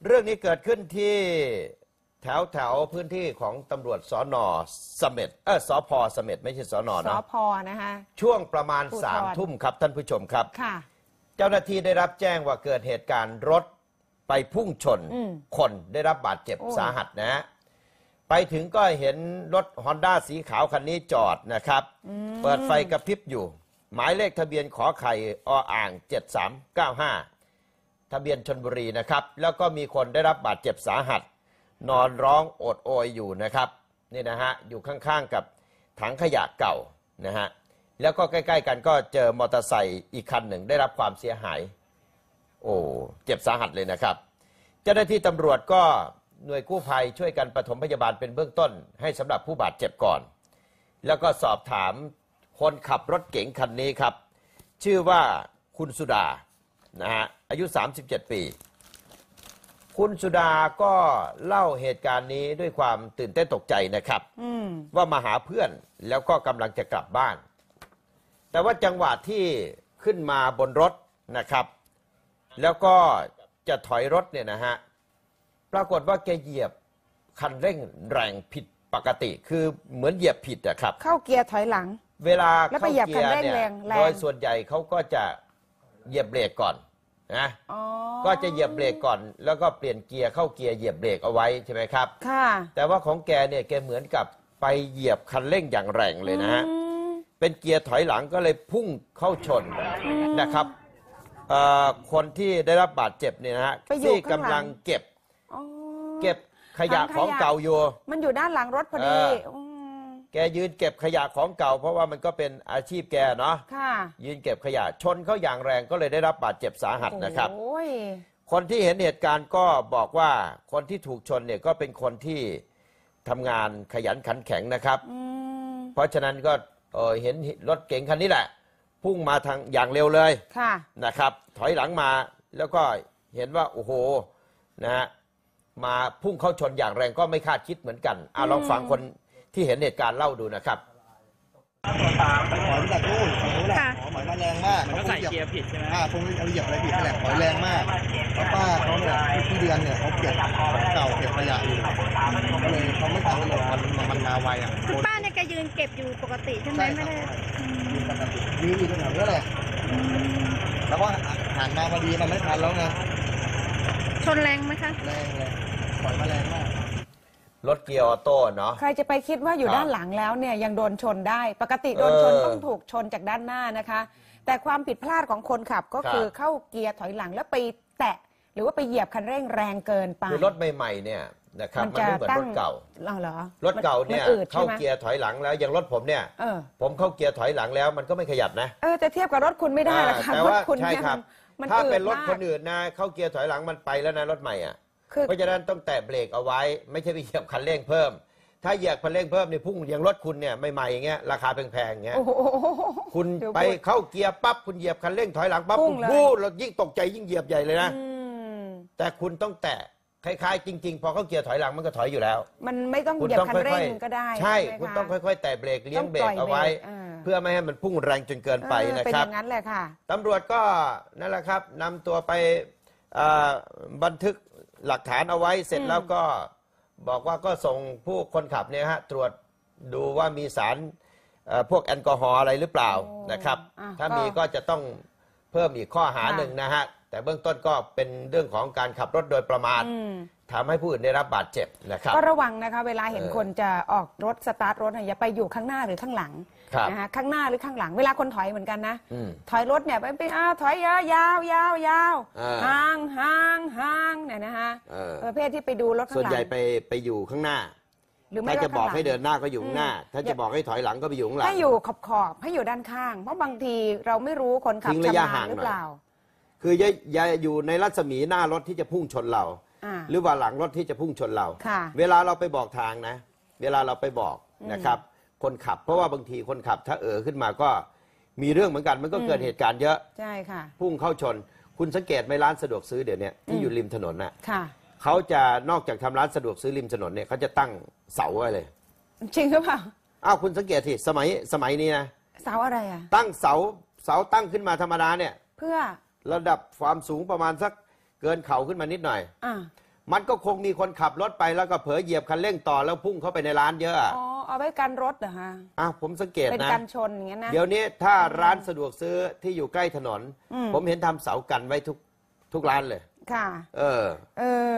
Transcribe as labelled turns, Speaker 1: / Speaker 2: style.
Speaker 1: เรื่องนี้เกิดขึ้นที่แถวพื้นที่ของตำรวจสน.เสม็ดสพ.เสม็ดไม่ใช่สน.นะ
Speaker 2: สพ.นะคะ
Speaker 1: ช่วงประมาณ3 ทุ่มครับท่านผู้ชมครับ
Speaker 2: ค่ะ
Speaker 1: เจ้าหน้าที่ได้รับแจ้งว่าเกิดเหตุการณ์รถไปพุ่งชนคนได้รับบาดเจ็บสาหัสนะฮะไปถึงก็เห็นรถฮอนด้าสีขาวคันนี้จอดนะครับเปิดไฟกระพริบอยู่หมายเลขทะเบียนขอไข่7395ทะเบียนชลบุรีนะครับแล้วก็มีคนได้รับบาดเจ็บสาหัสนอนร้องโอดโอยอยู่นะครับนี่นะฮะอยู่ข้างๆกับถังขยะเก่านะฮะแล้วก็ใกล้ๆกันก็เจอมอเตอร์ไซค์อีกคันหนึ่งได้รับความเสียหายโอ้เจ็บสาหัสเลยนะครับเจ้าหน้าที่ตำรวจก็หน่วยกู้ภัยช่วยกันปฐมพยาบาลเป็นเบื้องต้นให้สำหรับผู้บาดเจ็บก่อนแล้วก็สอบถามคนขับรถเก๋งคันนี้ครับชื่อว่าคุณสุดานะฮะอายุ37 ปีคุณสุดาก็เล่าเหตุการณ์นี้ด้วยความตื่นเต้นตกใจนะครับว่ามาหาเพื่อนแล้วก็กำลังจะกลับบ้านแต่ว่าจังหวะที่ขึ้นมาบนรถนะครับแล้วก็จะถอยรถเนี่ยนะฮะปรากฏว่าแกเหยียบคันเร่งแรงผิดปกติคือเหมือนเหยียบผิดอะครับ
Speaker 2: เข้าเกียร์ถอยหลัง
Speaker 1: เวลาเข้าเกียร์เนี่ยโดยส่วนใหญ่เขาก็จะเหยียบเบรกก่อนนะก็จะเหยียบเบรกก่อนแล้วก็เปลี่ยนเกียร์เข้าเกียร์เหยียบเบรกเอาไว้ใช่ไหมครับ
Speaker 2: ค่ะ
Speaker 1: แต่ว่าของแกเนี่ยแกเหมือนกับไปเหยียบคันเร่งอย่างแรงเลยนะฮะเป็นเกียร์ถอยหลังก็เลยพุ่งเข้าชนนะครับคนที่ได้รับบาดเจ็บเนี่ยนะฮะที่กำลังเก็บขยะของเก่าอยู่
Speaker 2: มันอยู่ด้านหลังรถพอดี
Speaker 1: แกยืนเก็บขยะของเก่าเพราะว่ามันก็เป็นอาชีพแกเนาะยืนเก็บขยะชนเขาอย่างแรงก็เลยได้รับบาดเจ็บสาหัสนะครับคนที่เห็นเหตุการณ์ก็บอกว่าคนที่ถูกชนเนี่ยก็เป็นคนที่ทำงานขยันขันแข็งนะครับเพราะฉะนั้นก็เห็นรถเก๋งคันนี้แหละพุ่งมาทางอย่างเร็วเลยนะครับถอยหลังมาแล้วก็เห็นว่าโอ้โหนะฮะมาพุ่งเข้าชนอย่างแรงก็ไม่คาดคิดเหมือนกันลองฟังคนที่เห็นเหตุการณ์เล่าดูนะครับ
Speaker 3: หอยมาจากนู่นฝั่งนู้นแหละหอยมาแรงมาก
Speaker 4: เขาใส่เกียร์ผิดใช่ไหม
Speaker 3: คงเอาเหยียบอะไรผิดแหละหอยแรงมากแล้วป้าเขาเนี่ยที่เดือนเนี่ยเขาเก็บเก่าเก็บขยะอยู่ก็เลยเขาไม่ทันเลยมันมาไวอ่ะ
Speaker 5: คุณป้าเนี่ยแกยืนเก็บอยู่ปกติใช่ไหมไม่ได้
Speaker 3: ยืนปกติยืนอยู่ตรงนั้นแหละแล้วก็หันมาพอดีมันไม่ทันแล้วไง
Speaker 5: ชนแรงไหมคะ
Speaker 3: แรงเลยหอยมาแรงมาก
Speaker 1: รถเกียร์ออโต้เนาะ
Speaker 2: ใครจะไปคิดว่าอยู่ด้านหลังแล้วเนี่ยยังโดนชนได้ปกติโดนชนต้องถูกชนจากด้านหน้านะคะแต่ความผิดพลาดของคนขับก็คือเข้าเกียร์ถอยหลังแล้วไปแตะหรือว่าไปเหยียบคันเร่งแรงเกินไป
Speaker 1: คือรถใหม่ๆเนี่ยนะครับมันไม่เหมือนรถเก่า
Speaker 2: เหรอ
Speaker 1: รถเก่าเนี่ยเข้าเกียร์ถอยหลังแล้วอย่างรถผมเนี่ยผมเข้าเกียร์ถอยหลังแล้วมันก็ไม่ขยับนะ
Speaker 2: จะเทียบกับรถคุณไม่ได้ละค่ะ
Speaker 1: แต่ว่าใช่ครับถ้าเป็นรถคนอื่นนะเข้าเกียร์ถอยหลังมันไปแล้วนะรถใหม่อ่ะเพราะฉะนั้นต้องแตะเบรกเอาไว้ไม่ใช่ไปเหยียบคันเร่งเพิ่มถ้าเหยียบคันเร่งเพิ่มนี่พุ่งอย่างรถคุณเนี่ยใหม่ๆอย่างเงี้ยราคาแพงๆอย่างเงี้ยคุณไปเข้าเกียร์ปั๊บคุณเหยียบคันเร่งถอยหลังปั๊บคุณพูดเรายิ่งตกใจยิ่งเหยียบใหญ่เลยนะแต่คุณต้องแตะคล้ายๆจริงๆพอเข้าเกียร์ถอยหลังมันก็ถอยอยู่แล้ว
Speaker 2: มันไม่ต้องเหยียบคันเร่งก็ได้
Speaker 1: ใช่คุณต้องค่อยๆแตะเบรกเลี้ยงเบรกเอาไว้เพื่อไม่ให้มันพุ่งแรงจนเกินไปนะครับ
Speaker 2: เป็นอย่างนั้นแหละค่ะ
Speaker 1: ตำรวจก็นั่นแหละครับนำตัวไปบันทึกหลักฐานเอาไว้เสร็จแล้วก็บอกว่าก็ส่งผู้คนขับเนี่ยฮะตรวจดูว่ามีสารพวกแอลกอฮอล์อะไรหรือเปล่านะครับถ้ามีก็จะต้องเพิ่มอีกข้อหาหนึ่งนะฮะแต่เบื้องต้นก็เป็นเรื่องของการขับรถโดยประมาททำให้ผู้อื่นได้รับบาดเจ็บนะครับ
Speaker 2: ก็ระวังนะคะเวลาเห็นคนจะออกรถสตาร์ทรถอย่าไปอยู่ข้างหน้าหรือข้างหลังนะคะข้างหน้าหรือข้างหลังเวลาคนถอยเหมือนกันนะถอยรถเนี่ยไปถอยยาวยาวห่างเนี่ยนะคะประเภทที่ไปดูรถข้างหลัง
Speaker 1: ส่วนใหญ่ไปอยู่ข้างหน้าถ้าจะบอกให้เดินหน้าก็อยู่ข้างหน้าถ้าจะบอกให้ถอยหลังก็ไปอยู่ข้างหลัง
Speaker 2: ให้อยู่ขอบให้อยู่ด้านข้างเพราะบางทีเราไม่รู้คนขับชำนาญหรือเปล่า
Speaker 1: คืออย่าอยู่ในรัศมีหน้ารถที่จะพุ่งชนเราหรือว่าหลังรถที่จะพุ่งชนเราเวลาเราไปบอกทางนะเวลาเราไปบอกนะครับคนขับเพราะว่าบางทีคนขับถ้าขึ้นมาก็มีเรื่องเหมือนกันมันก็เกิดเหตุการณ์เยอะ
Speaker 2: ใช่ค่ะ
Speaker 1: พุ่งเข้าชนคุณสังเกตไหมร้านสะดวกซื้อเดี๋ยวนี้ที่อยู่ริมถนนน่ะ
Speaker 2: ค่ะ
Speaker 1: เขาจะนอกจากทำร้านสะดวกซื้อริมถนนเนี่ยเขาจะตั้งเสาไว้เลย
Speaker 2: จริงหรือเปล่า
Speaker 1: คุณสังเกตที่สมัยนี้นะ
Speaker 2: เสาอะไรอ่ะ
Speaker 1: ตั้งเสาตั้งขึ้นมาธรรมดาเนี่ย
Speaker 2: เพื่อ
Speaker 1: ระดับความสูงประมาณสักเกินเข่าขึ้นมานิดหน่อยมันก็คงมีคนขับรถไปแล้วก็เผลอเหยียบคันเร่งต่อแล้วพุ่งเข้าไปในร้านเยอะอะ
Speaker 2: อ๋อเอาไว้กันรถเหรอฮะ
Speaker 1: ผมสังเกต
Speaker 2: เป็น
Speaker 1: นะ
Speaker 2: กันชนอย่างเงี้ยนะ
Speaker 1: เดี๋ยวนี้ถ้าร้านสะดวกซื้อที่อยู่ใกล้ถนน ผมเห็นทำเสากันไว้ทุกร้านเลย
Speaker 2: ค่ะ
Speaker 1: เออ